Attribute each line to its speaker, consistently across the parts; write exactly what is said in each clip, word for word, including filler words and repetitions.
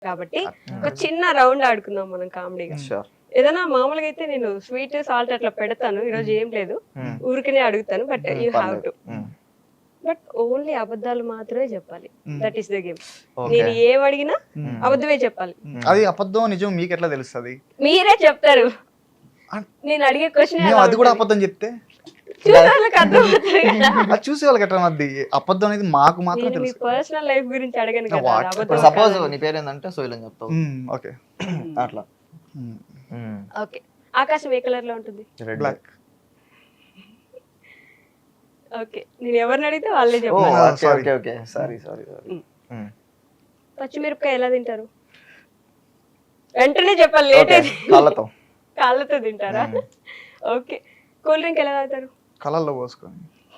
Speaker 1: కాబట్టి ఒక చిన్న రౌండ్ ఆడుకుందాం మనం కామెడీగా.
Speaker 2: షూర్.
Speaker 1: ఏదైనా మామూలుగా అయితే నేను స్వీట్ సాల్ట్ అట్లా పెడతాను, ఈరోజు ఏం లేదు, ఊరికనే అడుగుతాను, but you have to, but only అబద్ధాలు మాత్రమే చెప్పాలి. That is the game. నేను ఏం అడిగినా అబద్ధమే చెప్పాలి.
Speaker 3: అది అబద్ధం నిజం మీకు ఎట్లా తెలుస్తుంది?
Speaker 1: మీరే చెప్తారు. నేను అడిగే క్వశ్చన్
Speaker 3: అది కూడా అబద్ధం చెప్తే అది చూసే వాళ్ళకి ఎట్లా మధ్య అబద్ధం అనేది మాకు మాత్రం తెలుసు.
Speaker 1: పర్సనల్ లైఫ్ గురించి అడగను కదా. అబద్ధం
Speaker 2: సపోజ్ నీ పేరు ఏంటంటే సోయిల్ అని చెప్తావు.
Speaker 3: ఓకే
Speaker 2: అట్లా.
Speaker 1: ఓకే. ఆకాశం ఏ కలర్ లో ఉంటుంది?
Speaker 3: బ్లాక్.
Speaker 1: ఓకే, నేను ఎవరిని అడిగితే వాళ్ళే
Speaker 2: ఓ
Speaker 1: చెప్పాలి.
Speaker 2: Okay okay okay sorry sorry sorry.
Speaker 1: పచ్చిమిరపకాయ ఎలా తింటారు? వెంటనే చెప్పాలి, లేట్ అయితే.
Speaker 2: కాళ్ళతో.
Speaker 1: కాళ్ళతో తింటారా? ఓకే. కూల్ డ్రింక్ ఎలా తాగుతారు?
Speaker 3: కలర్లో పోసుకొని.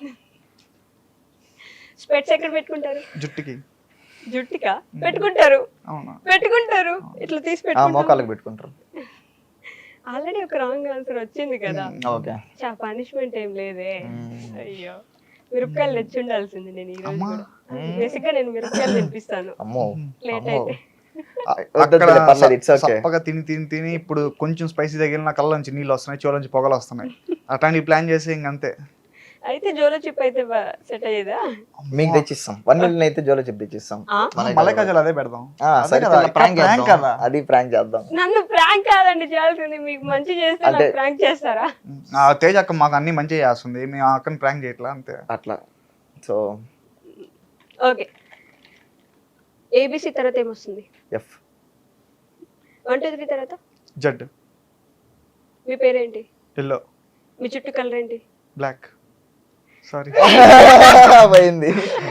Speaker 1: స్పెట్స్ ఎక్కడ పెట్టుకుంటారు?
Speaker 3: జుట్టుకి.
Speaker 1: జుట్టుకా పెట్టుకుంటారు?
Speaker 3: అవునా?
Speaker 1: పెట్టుకుంటారు, ఇట్లా తీసి పెట్టుకుంటారు.
Speaker 2: మోకాళ్ళకి పెట్టుకుంటారు.
Speaker 1: ఆల్రెడీ ఒక రాంగ్ ఆన్సర్ వచ్చింది కదా.
Speaker 2: ఓకే.
Speaker 1: చా పనిష్మెంట్ ఏం లేదే. అయ్యో, మిరపకాయలు తెచ్చి ఉండాల్సింది నేను ఈ రోజు కూడా. బేసిక్ గా నేను మిరపకాయలు తినిపిస్తాను.
Speaker 2: అమ్మో.
Speaker 1: లేట్ అయితే.
Speaker 3: అక్కడ
Speaker 2: పర్లేదు, it's okay.
Speaker 3: చప్పగా తిని తిని తిని ఇప్పుడు కొంచెం స్పైసీ తగిలిన కళ్ళ నుంచి నీళ్ళు వస్తున్నాయి, చెవుల నుంచి పొగలు వస్తున్నాయి. అట్లాంటివి ప్లాన్ చేసి ఇంకంతే.
Speaker 1: అయితే జోలో చిప్ అయితే సెట్ అయ్యేదా?
Speaker 2: మీకు తెచ్చిస్తాం. వన్ మిలియన్ అయితే జోలో చిప్ తెచ్చిస్తాం.
Speaker 3: మలై కాజల్ అదే పెడదాం.
Speaker 2: ఆ, సరే కదా, prank చేద్దాం. అది ప్రాంక్ చేద్దాం.
Speaker 1: నన్ను ప్రాంక్ కాదండి చేయాల్సింది, మీకు మంచి చేస్తే నాకు ప్రాంక్ చేస్తారా?
Speaker 3: ఆ తేజ్ అక్క మాకు అన్ని మంచిగా చేస్తుంది, మేము ఆ అక్కని ప్రాంక్ చేయట్లా అంతే.
Speaker 2: అట్లా. So
Speaker 1: okay. ఏబిసి తర్వాత ఏమొస్తుంది?
Speaker 2: ఎఫ్.
Speaker 1: వన్ టూ త్రీ తర్వాత
Speaker 3: జడ్.
Speaker 1: మీ పేరేంటి?
Speaker 3: ఎల్లో.
Speaker 1: మీ చుట్టూ కలర్ ఏంటి?
Speaker 3: బ్లాక్. సారీ
Speaker 2: పోయింది.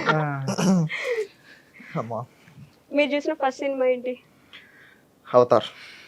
Speaker 2: అమ్మా.
Speaker 1: మీరు చూసిన ఫస్ట్ సినిమా ఏంటి?
Speaker 2: అవతార్.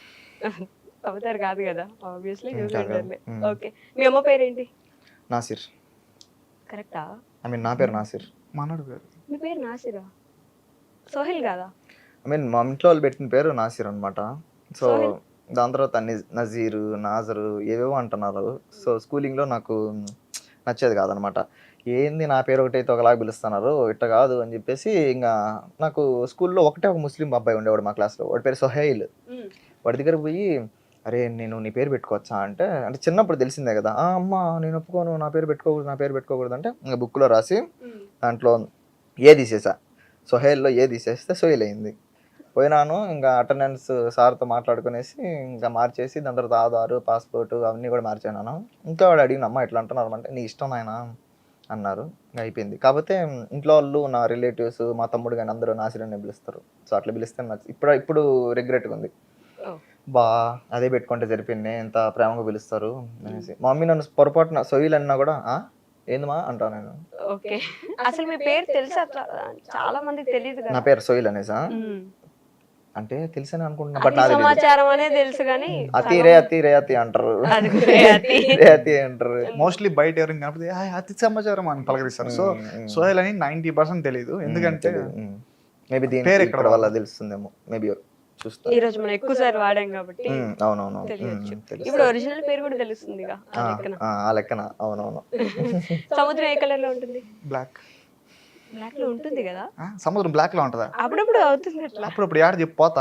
Speaker 1: అవతార్ కాదు కదా, ఆబ్వియస్లీ చూసారులే. ఓకే. మీ అమ్మ పేరేంటి?
Speaker 2: నాసిర్.
Speaker 1: కరెక్టా?
Speaker 2: ఐ మీన్ నా పేరు నాసిర్.
Speaker 3: మనడు పేరు.
Speaker 1: మీ పేరు నాసిరా? సోహిల్ కాదా?
Speaker 2: ఐ మీన్ మా ఇంట్లో వాళ్ళు పెట్టిన పేరు నాసిర్ అనమాట. సో దాని తర్వాత నజీరు, నాజరు ఏవేవో అంటున్నారు. సో స్కూలింగ్లో నాకు నచ్చేది కాదనమాట. ఏంది నా పేరు ఒకటైతే ఒకలాగా పిలుస్తున్నారు, ఇట్ట కాదు అని చెప్పేసి ఇంకా నాకు స్కూల్లో ఒకటే ఒక ముస్లిం అబ్బాయి ఉండేవాడు మా క్లాస్లో, వాడి పేరు సోహైల్. వాడి దగ్గర పోయి అరే నేను నీ పేరు పెట్టుకోవచ్చా అంటే, అంటే చిన్నప్పుడు తెలిసిందే కదా, అమ్మ నేను ఒప్పుకోను, నా పేరు పెట్టుకోకూడదు, నా పేరు పెట్టుకోకూడదు అంటే ఇంకా బుక్లో రాసి దాంట్లో ఏ తీసేసా, సోహైల్లో ఏ తీసేస్తే సోహైల్ అయింది. పోయినాను ఇంకా అటెండెన్స్ సార్తో మాట్లాడుకునేసి ఇంకా మార్చేసి దాని తర్వాత ఆధారు, పాస్పోర్టు అవన్నీ కూడా మార్చాను. ఇంకా వాడు అడిగిన అమ్మ ఎట్లా అంటున్నారు అంటే నీ ఇష్టం ఆయన అన్నారు. ఇంకా అయిపోయింది. కాకపోతే ఇంట్లో వాళ్ళు, నా రిలేటివ్స్, మా తమ్ముడు కానీ అందరూ నాసిరని పిలుస్తారు. సో అట్లా పిలిస్తే నాకు ఇప్పుడు ఇప్పుడు రిగ్రెట్గా ఉంది. బా అదే పెట్టుకుంటే సరిపోయింది, ఎంత ప్రేమగా పిలుస్తారు అనేసి. మా మమ్మీ నన్ను పొరపాటున సోయిల్ అన్నా కూడా ఏందమ్మా అంటా నేను.
Speaker 1: ఓకే. అసలు మీ పేరు తెలుసా? అట్లా చాలా మందికి తెలియదు కదా.
Speaker 2: నా పేరు సోయిల్ అనేసా అంటే తెలుసని అనుకుంటున్నా, బట్
Speaker 1: సమాచారం అనేది తెలుసు కానీ
Speaker 2: అతి రే అతి రే అతి అంటారు, రే అతి అంటారు.
Speaker 3: మోస్ట్లీ బయట ఎవరైనా కనిపితే అతి సమాచారం అని పలకరిస్తారు. సో సోహెల్ అని నైన్టీ పర్సెంట్ తెలియదు, ఎందుకంటే
Speaker 2: మేబీ దీని పేరు ఇక్కడ వల్ల తెలుస్తుందేమో, మేబీ చూస్తా.
Speaker 1: ఈ రోజు మనం ఎక్కువ సార్లు వాడాం కాబట్టి
Speaker 2: అవునవును.
Speaker 1: ఇప్పుడు ఒరిజినల్ పేరు కూడా తెలుస్తుంది
Speaker 2: ఆ లెక్కన. అవునవును.
Speaker 1: సముద్రం ఏ కలర్ లో ఉంటుంది?
Speaker 3: బ్లాక్.
Speaker 1: బ్లాక్ లో ఉంటుంది కదా.
Speaker 3: సముద్రం బ్లాక్ లో ఉంటుందా?
Speaker 1: అప్పుడప్పుడు అవుతుంది అట్లా.
Speaker 3: అప్పుడప్పుడు యాడ్ చెప్పిపోతా.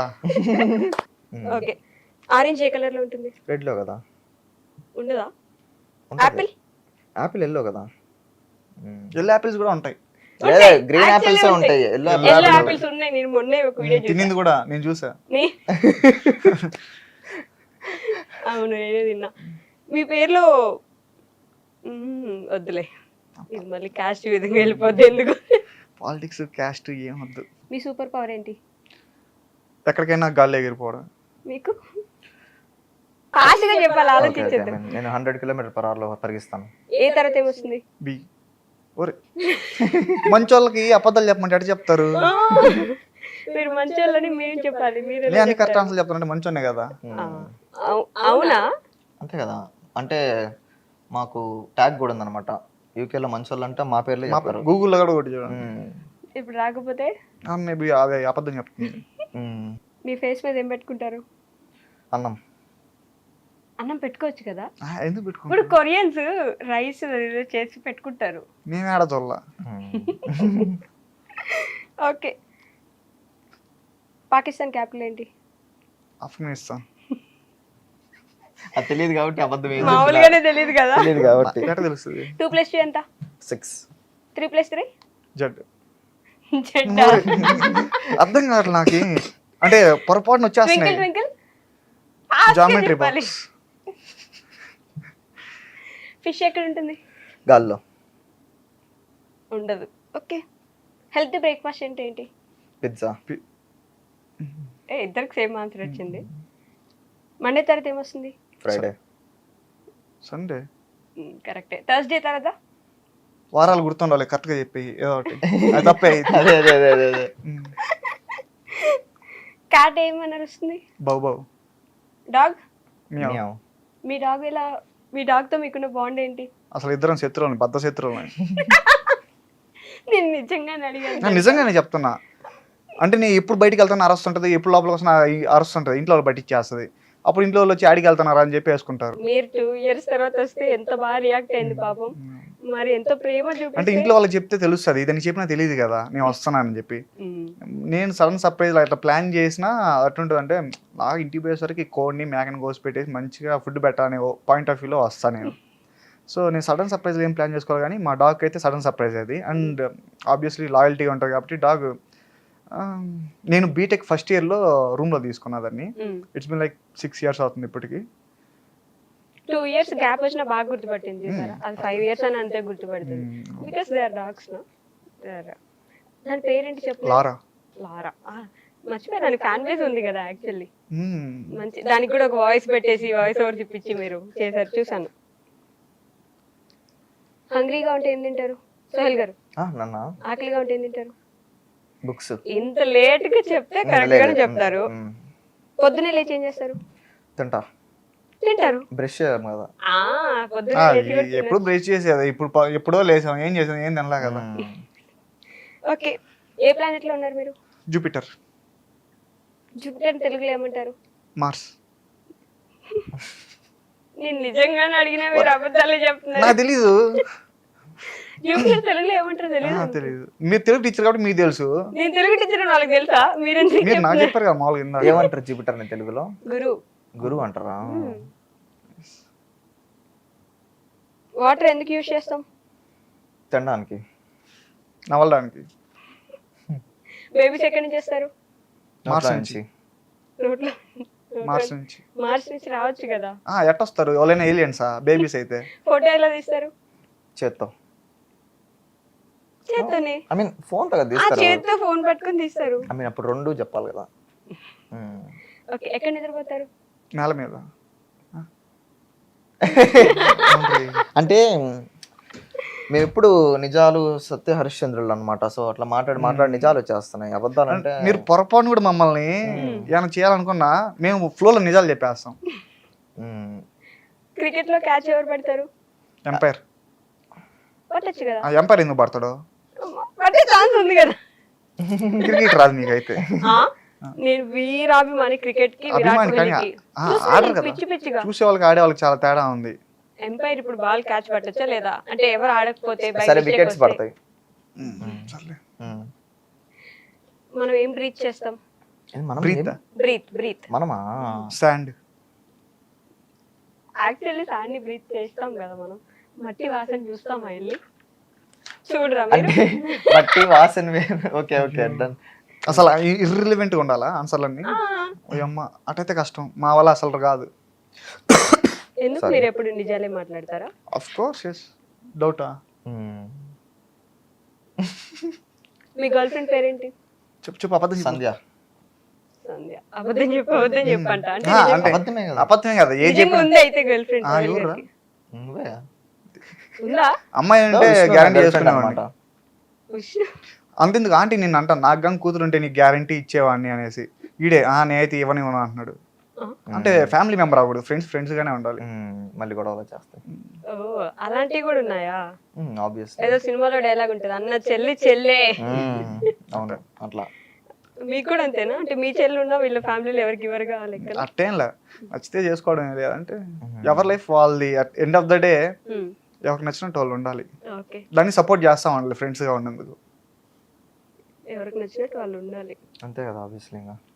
Speaker 1: ఓకే. ఆరెంజ్ ఏ కలర్ లో ఉంటుంది?
Speaker 2: రెడ్ లో కదా.
Speaker 1: ఉండదా? ఆపిల్.
Speaker 2: ఆపిల్ ఎల్లో కదా.
Speaker 3: ఎల్లో ఆపిల్స్ కూడా ఉంటాయి.
Speaker 2: గ్రీన్ ఆపిల్స్ ఉంటాయి, ఎల్లో
Speaker 1: ఆపిల్స్ ఉన్నాయి. నేను మొన్నే ఒక వీడియో చూసా,
Speaker 3: తినింది కూడా నేను చూసా.
Speaker 1: అవును నేనే తిన్నా. మీ పేర్లో వద్దులే, ఇది మళ్ళీ క్యాస్ట్ విధంగా వెళ్ళిపోద్ది, ఎందుకు?
Speaker 3: పాలిటిక్స్ క్యాస్ట్ ఏం వద్దు.
Speaker 1: మీ సూపర్ పవర్ ఏంటి?
Speaker 3: ఎక్కడికైనా గాలి ఎగిరిపోవడం. మీకు
Speaker 1: ఫాస్ట్ గా చెప్పాలి, ఆలోచించేద్దాం.
Speaker 2: నేను హండ్రెడ్ కిలోమీటర్ పర్ అవర్ లో పరిగిస్తాను.
Speaker 1: ఏ తర్వాత ఏమొస్తుంది?
Speaker 3: బి. ఒరే మంచోళ్ళకి అబద్ధాలు చెప్పమంటే ఎట్లా చెప్తారు?
Speaker 1: మీరు మంచోళ్ళని మీరు చెప్పాలి. మీరు
Speaker 3: నేను అన్ని కరెక్ట్ ఆన్సర్ చెప్తానంటే మంచోనే కదా.
Speaker 1: అవునా?
Speaker 2: అంతే కదా. అంటే మాకు ట్యాగ్ కూడా ఉందన్నమాట, యూకేలో మంచోళ్ళు అంటే మా పేర్లు చెప్పారు,
Speaker 3: గూగుల్లో కూడా ఒకటి చూడండి.
Speaker 1: ఇప్పుడు రాకపోతే
Speaker 3: మేబీ అదే అబద్ధం చెప్తుంది.
Speaker 1: మీ ఫేస్ మీద ఏం పెట్టుకుంటారు?
Speaker 2: అన్నం.
Speaker 1: అన్నం పెట్టుకోవచ్చు కదా.
Speaker 3: ఎందుకు పెట్టుకుంటారు?
Speaker 1: ఇప్పుడు కొరియన్స్ రైస్ చేసి పెట్టుకుంటారు,
Speaker 3: మేము ఆడ చూడాల.
Speaker 1: ఓకే. పాకిస్తాన్ క్యాపిటల్ ఏంటి?
Speaker 3: ఆఫ్ఘనిస్తాన్.
Speaker 2: అది తెలియదు కాబట్టి అబద్ధం ఏం
Speaker 1: మామూలుగానే తెలియదు కదా.
Speaker 2: తెలియదు కాబట్టి.
Speaker 3: ఎట్లా తెలుస్తుంది?
Speaker 1: టూ ప్లస్ టూ ఎంత?
Speaker 2: Six.
Speaker 1: Three plus three?
Speaker 3: Z.
Speaker 1: జెడ్డా?
Speaker 3: అర్థం కావట్లేదు నాకు. అంటే పొరపాటున
Speaker 1: ట్వింకిల్
Speaker 3: వచ్చేస్తున్నాయి.
Speaker 1: ట్వింకిల్?
Speaker 3: Geometry box.
Speaker 1: ఫిష్ ఎక్కడ ఉంటుంది?
Speaker 2: గాల్లో.
Speaker 1: ఉండదు. ఓకే. హెల్తీ బ్రేక్ఫాస్ట్ అంటే ఏంటి?
Speaker 2: పిజ్జా.
Speaker 1: ఏ ఇద్దరికి సేమ్ ఆన్సర్ వచ్చింది. మండే తర్వాత ఏమొస్తుంది?
Speaker 2: ఫ్రైడే.
Speaker 3: సండే.
Speaker 1: కరెక్టే. థర్స్డే తర్వాత?
Speaker 3: వారాలు గుర్తుండాలి కరెక్ట్గా చెప్పి ఏదో ఒకటి. అది తప్పే.
Speaker 2: అదే అదే అదే అదే అదే.
Speaker 1: క్యాట్ ఏమని అరుస్తుంది?
Speaker 3: Bow bow.
Speaker 1: Dog?
Speaker 3: Meow.
Speaker 2: Meow.
Speaker 1: మీ డాగ్ ఎలా, మీ డాగ్తో మీకున్న బాండ్ ఏంటి?
Speaker 3: అసలు ఇద్దరం శత్రువులని, బద్ద శత్రువులని.
Speaker 1: నేను నిజంగానే అడిగాను.
Speaker 3: నేను నిజంగానే చెప్తున్నా. అంటే నేను ఎప్పుడు బయటికి వెళ్తాను అరుస్తుంటది, ఎప్పుడు లోపలికి వస్తున్నా అరుస్తుంటది, ఇంట్లో వాళ్ళు బయటిచ్చేస్తుంది. అప్పుడు ఇంట్లో వాళ్ళు వచ్చి ఆడికి వెళ్తున్నారా అని చెప్పి వేసుకుంటారు.
Speaker 1: మీరు టూ ఇయర్స్ తర్వాత వస్తే ఎంత బాగా రియాక్ట్ అయింది పాపం. మరి ఎంత ప్రేమ
Speaker 3: అంటే
Speaker 1: చూపిస్తే.
Speaker 3: ఇంట్లో వాళ్ళకి చెప్తే తెలుస్తుంది, ఇదని చెప్పినా తెలియదు కదా నేను వస్తున్నానని చెప్పి.
Speaker 1: మ్మ్.
Speaker 3: నేను సడన్ సర్ప్రైజ్ అట్లా ప్లాన్ చేసినా అటుంటుంది. అంటే నాకు ఇంటికి పోయేసరికి కోడిని మేకని కోసి పెట్టేసి మంచిగా ఫుడ్ పెట్టాలనే పాయింట్ ఆఫ్ వ్యూలో వస్తాను నేను. సో నేను సడన్ సర్ప్రైజ్ ఏం ప్లాన్ చేసుకోవాలి, కానీ మా డాగ్ అయితే సడన్ సర్ప్రైజ్ అది. అండ్ ఆబ్వియస్లీ లాయల్టీ ఉంటుంది కాబట్టి డాగ్. నేను బీటెక్ ఫస్ట్ ఇయర్లో రూమ్లో తీసుకున్నా దాన్ని.
Speaker 1: Hmm.
Speaker 3: It's been like six years అవుతుంది ఇప్పటికి.
Speaker 1: టూ ఇయర్స్ గ్యాప్ వచ్చినా బాగా గుర్తుపట్టింది చూసారా? అది ఫైవ్ ఇయర్స్ అని అంతే గుర్తుపడుతుంది. Because they are dogs no. దాని పేరేంటి చెప్పు?
Speaker 3: లారా.
Speaker 1: లారా. మర్చిపోయాను, ఫ్యాన్ బేస్ ఉంది కదా యాక్చువల్లీ.
Speaker 3: మ్మ్.
Speaker 1: మంచి, దానికి కూడా ఒక వాయిస్ పెట్టేసి వాయిస్ ఓవర్ చూపించి మీరు చేశారు, చూసాను. హంగ్రీగా ఉంటే ఏం తింటారు సోహెల్ గారు?
Speaker 2: నన్న
Speaker 1: ఆకలిగా ఉంటే ఏం తింటారు?
Speaker 2: బుక్స్.
Speaker 1: ఇంత లేట్ గా చెప్తే కరెక్ట్ గానే చెప్తారు. పొద్దునే లేచి ఏం చేస్తారు?
Speaker 2: తింటా.
Speaker 1: తింటారు.
Speaker 2: బ్రష్ చేయాలి కదా.
Speaker 1: ఆ పొద్దునే
Speaker 3: ఆ,
Speaker 1: లేచి కూడా
Speaker 3: ఈ- ఎప్పుడు బ్రేక్ చేసేది, ఇప్పుడు ప- ఎప్పుడో లేసాం, ఏం చేసాం, ఏం తినలా కదా.
Speaker 2: మ్మ్.
Speaker 1: ఓకే. ఏ ప్లానెట్ లో ఉన్నారు మీరు?
Speaker 3: జూపిటర్.
Speaker 1: జూపిటర్ తెలుగులో ఏమంటారు?
Speaker 3: మార్స్.
Speaker 1: నేను నిజంగానే అడిగినా మీరు అబద్ధాలే చెప్తున్నారు.
Speaker 3: నాకు తెలీదు.
Speaker 1: జూపిటర్ తెలుగులో ఏమంటారు
Speaker 3: ఆ,
Speaker 1: తెలియదు.
Speaker 3: తెలీదు. మీరు తెలుగు టీచర్ కాబట్టి మీకు తెలుసు.
Speaker 1: నేను తెలుగు టీచర్ వాళ్ళకి తెలుసా? మీరెందుకు
Speaker 3: మీరు నాకు
Speaker 1: చెప్తున్నారు?
Speaker 3: చెప్పారు కదా మామూలుగా ఇందాక.
Speaker 2: ఏమంటారు జూపిటర్ ని తెలుగులో?
Speaker 1: గురువు.
Speaker 2: గురువు అంటారా?
Speaker 1: వాటర్ ఎందుకు యూజ్ చేస్తాం?
Speaker 2: తినడానికి.
Speaker 3: నవలడానికి.
Speaker 1: బేబీస్ ఎక్కడి నుంచి చేస్తారు?
Speaker 3: మార్స్
Speaker 2: నోట్ల
Speaker 3: నుంచి.
Speaker 1: రోడ్లో.
Speaker 3: మార్స్ నుంచి.
Speaker 1: మార్స్ నుంచి రావచ్చు కదా.
Speaker 3: ఆ, ఎట్టొస్తారు ఎవరైనా ఏలియన్సా బేబీస్ అయితే?
Speaker 1: ఫోటో ఎలా తీస్తారు?
Speaker 2: చేత్తో.
Speaker 1: చేత్తోనే.
Speaker 2: ఐ మీన్ ఫోన్ తో
Speaker 1: ఆ
Speaker 2: తీస్తారు.
Speaker 1: చేత్తో ఫోన్ పట్టుకొని తీస్తారు.
Speaker 2: ఐ మీన్ అప్పుడు రెండు చెప్పాలి కదా. మ్మ్.
Speaker 1: ఓకే. ఎక్కడ నిద్రపోతారు?
Speaker 3: నేల మీద.
Speaker 2: అంటే మేము ఎప్పుడు నిజాలు సత్య హరిశ్చంద్రులు అన్నమాట. సో అట్లా మాట్లాడి మాట్లాడి నిజాలు వచ్చేస్తున్నాయి. అబద్ధాలు అంటే
Speaker 3: మీరు పొరపాటు కూడా మమ్మల్ని ఏమైనా చేయాలనుకున్నా మేము ఫ్లోలో నిజాలు చెప్పేస్తాం.
Speaker 2: మ్మ్.
Speaker 1: క్రికెట్ లో క్యాచ్ ఎవరు పడతారు?
Speaker 3: ఎంపైర్.
Speaker 1: పట్టచ్చు కదా.
Speaker 3: ఆ ఎంపైర్ ఎందుకు పడతాడు?
Speaker 1: పట్టే ఛాన్స్ ఉంది కదా.
Speaker 3: క్రికెట్ రాదు మీకైతే.
Speaker 1: ఆ? నేను వీరాభిమాని క్రికెట్ కి, విరాట్
Speaker 3: అభిమాని కానీ
Speaker 1: కోహ్లీకి.
Speaker 3: ఆ,
Speaker 1: చూస్తాను
Speaker 3: ఆడరు
Speaker 1: నేను
Speaker 3: కదా.
Speaker 1: పిచ్చి పిచ్చిగా.
Speaker 3: చూసే వాళ్ళకి ఆడే వాళ్ళకి చాలా తేడా ఉంది.
Speaker 1: ఎంపైర్ ఇప్పుడు బాల్ క్యాచ్ పట్టొచ్చా లేదా? అంటే ఎవరు ఆడకపోతే by
Speaker 2: సరే
Speaker 1: mistake
Speaker 2: వికెట్స్
Speaker 1: వస్తే
Speaker 2: పడతాయి.
Speaker 3: సర్లే.
Speaker 2: మ్మ్.
Speaker 1: మనం ఏం బ్రీత్ చేస్తాం?
Speaker 2: ఇది మనం
Speaker 3: బ్రీత్.
Speaker 2: ఏం-
Speaker 1: బ్రీత్ బ్రీత్
Speaker 2: మనమా?
Speaker 3: శాండ్.
Speaker 1: యాక్చువల్లీ సాన్ని బ్రీత్ చేస్తాం కదా మనం. మట్టి వాసన చూస్తామా వెళ్ళి? చూడరా మీరు?
Speaker 2: అంటే బట్టి వాసన వేరు. Okay okay done.
Speaker 3: అసలు ఇర్రిలివెంట్గా ఉండాలా ఆన్సర్లన్నీ?
Speaker 1: ఆ,
Speaker 3: అమ్మ అటైతే కష్టం, మా వల్ల అసలు రాదు.
Speaker 1: ఎందుకు మీరు ఎప్పుడు నిజాలే మాట్లాడతారా?
Speaker 3: Of course yes. డౌటా?
Speaker 2: మ్మ్.
Speaker 1: మీ గర్ల్ ఫ్రెండ్ పేరేంటి?
Speaker 3: చెప్పు చెప్పు. అబద్ధం చెప్పు.
Speaker 2: సంధ్య.
Speaker 1: సంధ్య. అబద్ధం చెప్పు, అబద్ధం చెప్పంట. అంటే
Speaker 3: ఆ,
Speaker 1: నిజం-
Speaker 3: అంటే
Speaker 2: అబద్ధమే కదా.
Speaker 3: అబద్ధమే కదా ఏ
Speaker 1: నిజంగా
Speaker 3: చెప్పిన.
Speaker 1: ఉంది అయితే గర్ల్ ఫ్రెండ్.
Speaker 3: ఆ, ఎవరురా?
Speaker 2: నువ్వే.
Speaker 1: ఉందా?
Speaker 3: అమ్మాయి అంటే
Speaker 2: విష్ణు
Speaker 3: గ్యారంటీ
Speaker 2: girlfriend
Speaker 3: చేసుకునేవాడిని.
Speaker 2: అన్నమాట.
Speaker 1: ఉష్.
Speaker 3: అంతెందుకు ఆంటీ నిన్ను అంటాను, నాకు గంగ కూతురు ఉంటే నీకు గ్యారంటీ ఇచ్చేవాడిని అనేసి. ఈడే ఆ నేనైతే ఇవ్వని ఇవ్వను అంటున్నాడు.
Speaker 1: ఆ.
Speaker 3: అంటే ఫ్యామిలీ మెంబర్ అవ్వకూడదు, ఫ్రెండ్స్ ఫ్రెండ్స్ గానే ఉండాలి.
Speaker 2: మ్మ్. మళ్ళీ గొడవలు చేస్తాయి.
Speaker 1: ఓ అలాంటివి కూడా ఉన్నాయా?
Speaker 2: ఆబ్వియస్లీ.
Speaker 1: ఏదో సినిమాలో డైలాగ్ ఉంటుంది, అన్న చెల్లి చెల్లే.
Speaker 2: అవును అట్లా.
Speaker 1: మీకు కూడా అంతేనా? అంటే మీ చెల్లి ఉన్నా వీళ్ళ ఫ్యామిలీలో ఎవరికి ఇవ్వరు కావాలి లెక్కన?
Speaker 3: అట్టేంలే, నచ్చితే చేసుకోవడం లేదంటే ఎవరి లైఫ్ వాళ్ళది. ఎండ్ ఆఫ్ ద డే ఎవరికి నచ్చినట్టు వాళ్ళు ఉండాలి.
Speaker 1: ఓకే.
Speaker 3: దాన్ని సపోర్ట్ చేస్తాం వాళ్ళు ఫ్రెండ్స్గా ఉన్నందుకు.
Speaker 1: ఎవరికి నచ్చినట్టు వాళ్ళు ఉండాలి.
Speaker 2: అంతే కదా ఆబ్వియస్లీ. ఇంకా